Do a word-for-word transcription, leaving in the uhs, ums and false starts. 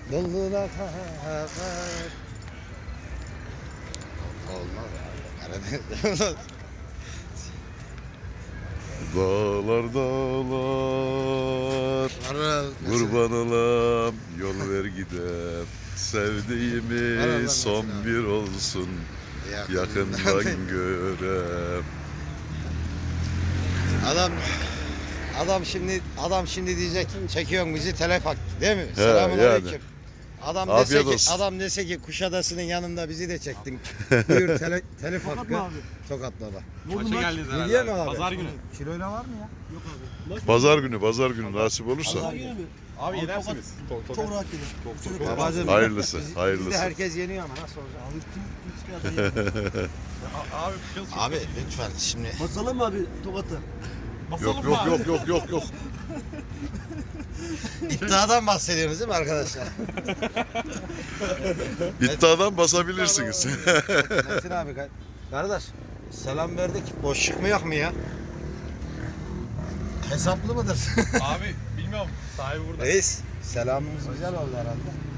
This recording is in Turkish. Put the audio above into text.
Dollu'da kahver. Olmaz abi. Karadeniz. Dağlar dağlar kurban olam yol ver gidem sevdiğimi son bir olsun yakından görem. Adam adam şimdi adam şimdi diyecek çekiyorsun bizi telef hak değil mi? He, Selamünaleyküm. yani. Adam Afiyet dese ki olsun. adam dese ki Kuşadası'nın yanında bizi de çektin. Buyur tele, telef hakkı. Tokat baba. Maça geldiniz herhalde. Hediye mi abi? Pazar günü. Kiloyla var mı ya? Yok abi. Pazar günü pazar günü nasip olursa Pazar günü mü? Abi yenersiniz. Çok rahat gelir. Babacığım, hayırlısı biz- hayırlısı. Bizde herkes yeniyor ama nasıl olacak? Abi kim kim çıkardı? Abi kıl Abi lütfen şimdi. Basalım mı abi Tokat'ı? Yok yok yok yok yok yok. İddiadan bahsediyorsunuz değil mi arkadaşlar? İddiadan basabilirsiniz. Metin abi kar- kardeş selam verdik. Boşluk mu yok mu ya? Hesaplı mıdır? Abi bilmiyorum. Sahibi burada. Reis selamımız güzel oldu herhalde.